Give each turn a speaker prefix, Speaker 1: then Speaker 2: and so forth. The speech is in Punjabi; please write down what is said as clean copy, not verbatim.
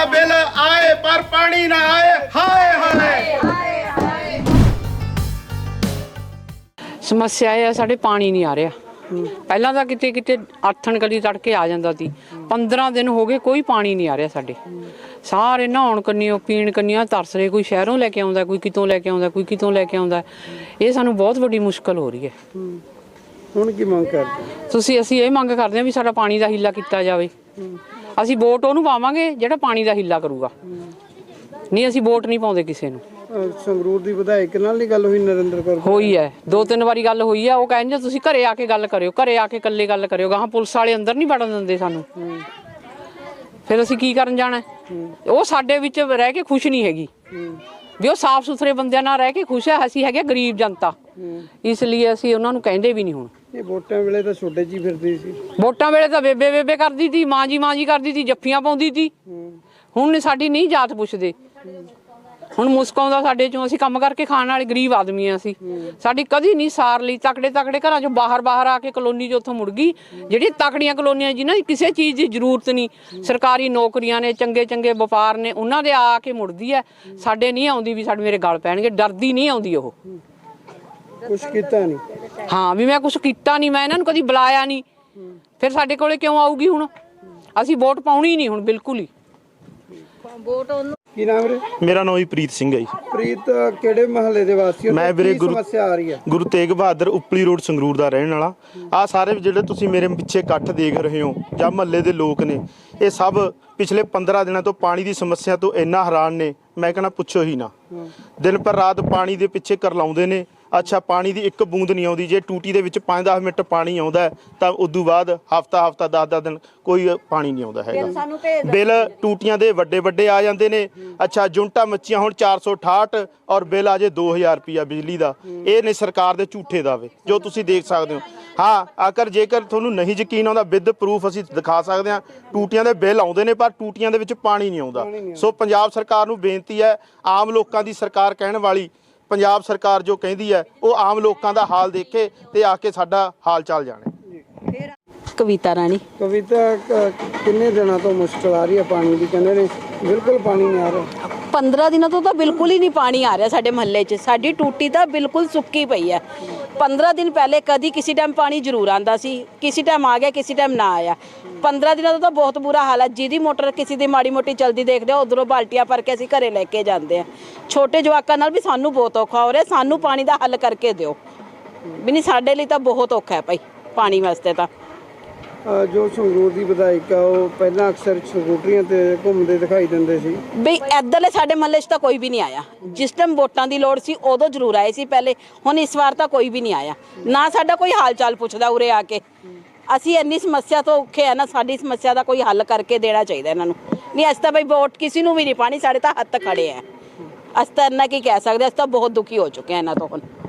Speaker 1: ਦਾ ਬਿੱਲ ਆਏ ਪਰ ਪਾਣੀ ਨਾ ਆਏ। ਹਾਏ ਹਾਏ
Speaker 2: ਸਮੱਸਿਆ ਇਹ ਹੈ ਸਾਡੇ ਪਾਣੀ ਨਹੀਂ ਆ ਰਿਹਾ। ਪਹਿਲਾਂ ਤਾਂ ਕਿਤੇ ਕਿਤੇ ਆਥਣ ਕਲੀ ਤੜਕੇ ਆ ਜਾਂਦਾ ਸੀ। 15 ਦਿਨ ਹੋ ਗਏ ਕੋਈ ਪਾਣੀ ਨਹੀਂ ਆ ਰਿਹਾ ਸਾਡੇ। ਸਾਰੇ ਨਹਾਉਣ ਕੰਨੀਓ ਪੀਣ ਕੰਨੀਓ ਤਰਸ ਰਹੇ। ਕੋਈ ਸ਼ਹਿਰੋਂ ਲੈ ਕੇ ਆਉਂਦਾ, ਕੋਈ ਕਿਤੋਂ ਲੈ ਕੇ ਆਉਂਦਾ, ਕੋਈ ਕਿਤੋਂ ਲੈ ਕੇ ਆਉਂਦਾ। ਇਹ ਸਾਨੂੰ ਬਹੁਤ ਵੱਡੀ ਮੁਸ਼ਕਲ ਹੋ ਰਹੀ ਹੈ।
Speaker 3: ਹੁਣ ਕੀ ਮੰਗ ਕਰਦੇ
Speaker 2: ਅਸੀਂ ਇਹ ਮੰਗ ਕਰਦੇ ਹਾਂ ਵੀ ਸਾਡਾ ਪਾਣੀ ਦਾ ਹੀਲਾ ਕੀਤਾ ਜਾਵੇ। ਅਸੀਂ ਵੋਟ ਉਹਨੂੰ ਪਾਵਾਂਗੇ ਜਿਹੜਾ ਪਾਣੀ ਦਾ ਹੀਲਾ ਕਰੂਗਾ। ਨਹੀਂ ਅਸੀਂ ਵੋਟ ਨਹੀਂ ਪਾਉਂਦੇ ਕਿਸੇ ਨੂੰ।
Speaker 3: ਸੰਗਰੂਰ ਦੀ ਵਿਧਾਇਕ ਨਾਲ ਨਹੀਂ ਗੱਲ ਹੋਈ ਨਰਿੰਦਰ ਕੌਰ?
Speaker 2: ਹੋਈ ਹੈ, 2-3 ਵਾਰੀ ਗੱਲ ਹੋਈ ਹੈ। ਉਹ ਕਹਿੰਦੇ ਤੁਸੀਂ ਘਰੇ ਆ ਕੇ ਗੱਲ ਕਰਿਓ, ਘਰੇ ਆ ਕੇ ਇਕੱਲੇ ਗੱਲ ਕਰਿਓ। ਗਾਹਾਂ ਪੁਲਿਸ ਵਾਲੇ ਅੰਦਰ ਨਹੀਂ ਵੜਨ ਦਿੰਦੇ ਸਾਨੂੰ। ਫਿਰ ਅਸੀਂ ਕੀ ਕਰਨ ਜਾਣਾ? ਉਹ ਸਾਡੇ ਵਿੱਚ ਰਹਿ ਕੇ ਖੁਸ਼ ਨਹੀਂ ਹੈਗੀ ਵੀ ਉਹ ਸਾਫ਼ ਸੁਥਰੇ ਬੰਦਿਆਂ ਨਾਲ ਰਹਿ ਕੇ ਖੁਸ਼ ਹੈ। ਅਸੀਂ ਹੈਗੇ ਗਰੀਬ ਜਨਤਾ, ਇਸ ਲਈ ਅਸੀਂ ਉਹਨਾਂ ਨੂੰ ਕਹਿੰਦੇ ਵੀ ਨਹੀਂ। ਹੁਣ
Speaker 3: ਇਹ ਵੋਟਾਂ ਵੇਲੇ ਤਾਂ ਛੋਟੇ ਜੀ ਫਿਰਦੀ ਸੀ।
Speaker 2: ਵੋਟਾਂ ਵੇਲੇ ਤਾਂ ਬੇਬੇ ਬੇਬੇ ਕਰਦੀ ਸੀ, ਮਾਂ ਜੀ ਕਰਦੀ ਸੀ, ਜੱਫੀਆਂ ਪਾਉਂਦੀ ਸੀ। ਹੁਣ ਸਾਡੀ ਨਹੀਂ ਜਾਤ ਪੁੱਛਦੇ। ਹੁਣ ਮੁਸਕ ਆਉਂਦਾ ਸਾਡੇ ਚੋਂ। ਅਸੀਂ ਕੰਮ ਕਰਕੇ ਖਾਣ ਵਾਲੇ ਗਰੀਬ ਆਦਮੀ ਆ। ਅਸੀਂ ਸਾਡੀ ਕਦੀ ਨਹੀਂ ਸਾਰ ਲਈ। ਤਕੜੇ ਘਰਾਂ ਚੋਂ ਬਾਹਰ ਆ ਕੇ ਕਲੋਨੀ 'ਚ ਉੱਥੋਂ ਮੁੜ ਗਈ। ਜਿਹੜੀ ਤਕੜੀਆਂ ਕਲੋਨੀਆਂ ਜਿਨ੍ਹਾਂ ਦੀ ਕਿਸੇ ਚੀਜ਼ ਦੀ ਜ਼ਰੂਰਤ ਨਹੀਂ, ਸਰਕਾਰੀ ਨੌਕਰੀਆਂ ਨੇ, ਚੰਗੇ ਵਪਾਰ ਨੇ, ਉਹਨਾਂ ਦੇ ਆ ਕੇ ਮੁੜਦੀ ਹੈ। ਸਾਡੇ ਨਹੀਂ ਆਉਂਦੀ ਵੀ ਸਾਡੇ ਮੇਰੇ ਗਲ ਪੈਣਗੇ। ਡਰਦੀ ਨਹੀਂ ਆਉਂਦੀ ਉਹ।
Speaker 3: ਕੁਛ ਕੀਤਾ ਨਹੀਂ।
Speaker 2: ਹਾਂ ਵੀ ਮੈਂ ਕੁਛ ਕੀਤਾ ਨਹੀਂ, ਮੈਂ ਇਹਨਾਂ ਨੂੰ ਕਦੀ ਬੁਲਾਇਆ ਨਹੀਂ। ਫਿਰ ਸਾਡੇ ਕੋਲੇ ਕਿਉਂ ਆਊਗੀ? ਹੁਣ ਅਸੀਂ ਵੋਟ ਪਾਉਣੀ ਨਹੀਂ ਹੁਣ ਬਿਲਕੁਲ ਹੀ।
Speaker 3: ਕੀ ਨਾਮ ਰੇ?
Speaker 4: ਮੇਰਾ ਨਾਮ ਹੀ ਪ੍ਰੀਤ ਸਿੰਘ ਹੈ ਜੀ।
Speaker 3: ਪ੍ਰੀਤ ਕਿਹੜੇ ਮਹੱਲੇ ਦੇ ਵਾਸੀ ਹੋ?
Speaker 4: ਮੈਂ ਵੀਰੇ
Speaker 3: ਸਮੱਸਿਆ ਆ ਰਹੀ ਹੈ?
Speaker 4: ਗੁਰੂ ਤੇਗ ਬਹਾਦਰ ਉਪਲੀ ਰੋਡ ਸੰਗਰੂਰ ਦਾ ਰਹਿਣ ਵਾਲਾ। ਆ ਸਾਰੇ ਜਿਹੜੇ ਤੁਸੀਂ ਮੇਰੇ ਪਿੱਛੇ ਇਕੱਠ ਦੇਖ ਰਹੇ ਹੋ ਜਾਂ ਮਹੱਲੇ ਦੇ ਲੋਕ ਨੇ, ਇਹ ਸਭ ਪਿਛਲੇ 15 ਦਿਨਾਂ ਤੋਂ ਪਾਣੀ ਦੀ ਸਮੱਸਿਆ ਤੋਂ ਇੰਨਾ ਹੈਰਾਨ ਨੇ, ਮੈਂ ਕਹਿੰਦਾ ਪੁੱਛੋ ਹੀ ਨਾ। ਦਿਨ ਪਰ ਰਾਤ ਪਾਣੀ ਦੇ ਪਿੱਛੇ ਕਰਲਾਉਂਦੇ ਨੇ। ਅੱਛਾ, ਪਾਣੀ ਦੀ ਇੱਕ ਬੂੰਦ ਨਹੀਂ ਆਉਂਦੀ। ਜੇ ਟੂਟੀ ਦੇ ਵਿੱਚ 5-10 ਮਿੰਟ ਪਾਣੀ ਆਉਂਦਾ ਤਾਂ ਉਦੋਂ ਬਾਅਦ ਹਫਤਾ 10-10 ਦਿਨ ਕੋਈ ਪਾਣੀ ਨਹੀਂ ਆਉਂਦਾ ਹੈਗਾ। ਬਿੱਲ ਟੂਟੀਆਂ ਦੇ ਵੱਡੇ ਆ ਜਾਂਦੇ ਨੇ। ਅੱਛਾ, ਜੁੰਟਾ ਮੱਚੀਆਂ ਹੁਣ 468 ਔਰ ਬਿੱਲ ਆ ਜੇ 2000 ਰੁਪਇਆ ਬਿਜਲੀ ਦਾ। ਇਹ ਨੇ ਸਰਕਾਰ ਦੇ ਝੂਠੇ ਦਾਅਵੇ ਜੋ ਤੁਸੀਂ ਦੇਖ ਸਕਦੇ ਹੋ। ਹਾਂ, ਜੇਕਰ ਤੁਹਾਨੂੰ ਨਹੀਂ ਯਕੀਨ ਆਉਂਦਾ, ਵਿਦ ਪ੍ਰੂਫ ਅਸੀਂ ਦਿਖਾ ਸਕਦੇ ਹਾਂ। ਟੂਟੀਆਂ ਦੇ ਬਿੱਲ ਆਉਂਦੇ ਨੇ ਪਰ ਟੂਟੀਆਂ ਦੇ ਵਿੱਚ ਪਾਣੀ ਨਹੀਂ ਆਉਂਦਾ। ਸੋ ਪੰਜਾਬ ਸਰਕਾਰ ਨੂੰ ਬੇਨਤੀ ਹੈ, ਆਮ ਲੋਕਾਂ ਦੀ ਸਰਕਾਰ ਕਹਿਣ ਵਾਲੀ ਪੰਜਾਬ ਸਰਕਾਰ ਜੋ ਕਹਿੰਦੀ ਹੈ, ਉਹ ਆਮ ਲੋਕਾਂ ਦਾ ਹਾਲ ਦੇਖੇ ਤੇ ਆ ਕੇ ਸਾਡਾ ਹਾਲ ਚਾਲ ਜਾਣੇ।
Speaker 5: ਕਵਿਤਾ ਰਾਣੀ।
Speaker 3: ਕਵਿਤਾ, ਕਿੰਨੇ ਦਿਨਾਂ ਤੋਂ ਮੁਸ਼ਕਲ ਆ ਰਹੀ ਹੈ ਪਾਣੀ ਦੀ? ਕਹਿੰਦੇ ਨੇ ਬਿਲਕੁਲ ਪਾਣੀ ਨਹੀਂ ਆ ਰਿਹਾ।
Speaker 5: 15 ਦਿਨਾਂ ਤੋਂ ਤਾਂ ਬਿਲਕੁਲ ਹੀ ਨਹੀਂ ਪਾਣੀ ਆ ਰਿਹਾ ਸਾਡੇ ਮਹੱਲੇ 'ਚ। ਸਾਡੀ ਟੂਟੀ ਤਾਂ ਬਿਲਕੁਲ ਸੁੱਕੀ ਪਈ ਹੈ। 15 ਦਿਨ ਪਹਿਲੇ ਕਦੀ ਕਿਸੇ ਟਾਈਮ ਪਾਣੀ ਜ਼ਰੂਰ ਆਂਦਾ ਸੀ, ਕਿਸੇ ਟਾਈਮ ਆ ਗਿਆ, ਕਿਸੇ ਟਾਈਮ ਨਾ ਆਇਆ। 15 ਦਿਨਾਂ ਤੋਂ ਤਾਂ ਬਹੁਤ ਬੁਰਾ ਹਾਲ ਹੈ। ਜਿਹਦੀ ਮੋਟਰ ਕਿਸੇ ਦੀ ਮਾੜੀ ਮੋਟੀ ਚਲਦੀ ਦੇਖਦੇ ਹੋ, ਉਧਰੋਂ ਬਾਲਟੀਆਂ ਭਰ ਕੇ ਅਸੀਂ ਘਰੇ ਲੈ ਕੇ ਜਾਂਦੇ ਹਾਂ। ਛੋਟੇ ਜਵਾਕਾਂ ਨਾਲ ਵੀ ਸਾਨੂੰ ਬਹੁਤ ਔਖਾ ਹੋ ਰਿਹਾ। ਸਾਨੂੰ ਪਾਣੀ ਦਾ ਹੱਲ ਕਰਕੇ ਦਿਓ ਵੀ। ਨਹੀਂ, ਸਾਡੇ ਲਈ ਤਾਂ ਬਹੁਤ ਔਖਾ ਹੈ ਭਾਈ ਪਾਣੀ ਵਾਸਤੇ ਤਾਂ।
Speaker 3: ਜੋ ਸੰਗਰੂਰ ਦੀ ਵਿਧਾਇਕ ਆ, ਉਹ ਪਹਿਲਾਂ ਅਕਸਰ ਸਕੂਟਰੀਆਂ ਤੇ ਘੁੰਮਦੇ ਦਿਖਾਈ ਦਿੰਦੇ ਸੀ
Speaker 5: ਬਈ। ਇੱਧਰਲੇ ਸਾਡੇ ਮਹੱਲੇ 'ਚ ਤਾਂ ਕੋਈ ਵੀ ਨਹੀਂ ਆਇਆ। ਜਿਸ ਟਾਈਮ ਵੋਟਾਂ ਦੀ ਲੋੜ ਸੀ ਉਦੋਂ ਜ਼ਰੂਰ ਆਏ ਸੀ ਪਹਿਲੇ। ਹੁਣ ਇਸ ਵਾਰ ਤਾਂ ਕੋਈ ਵੀ ਨਹੀਂ ਆਇਆ। ਨਾ ਸਾਡਾ ਕੋਈ ਹਾਲ ਚਾਲ ਪੁੱਛਦਾ ਉਰੇ ਆ ਕੇ। ਅਸੀਂ ਇੰਨੀ ਸਮੱਸਿਆ ਤੋਂ ਔਖੇ ਆ ਨਾ, ਸਾਡੀ ਸਮੱਸਿਆ ਦਾ ਕੋਈ ਹੱਲ ਕਰਕੇ ਦੇਣਾ ਚਾਹੀਦਾ ਇਹਨਾਂ ਨੂੰ। ਨਹੀਂ, ਅਸੀਂ ਤਾਂ ਬਈ ਵੋਟ ਕਿਸੇ ਨੂੰ ਵੀ ਨਹੀਂ ਪਾਣੀ। ਸਾਡੇ ਤਾਂ ਹੱਥ ਖੜੇ ਆ। ਅਸੀਂ ਤਾਂ ਇੰਨਾ ਕੀ ਕਹਿ ਸਕਦੇ। ਅਸੀਂ ਤਾਂ ਬਹੁਤ ਦੁਖੀ ਹੋ ਚੁੱਕੇ ਹਾਂ ਇਹਨਾਂ ਤੋਂ ਹੁਣ।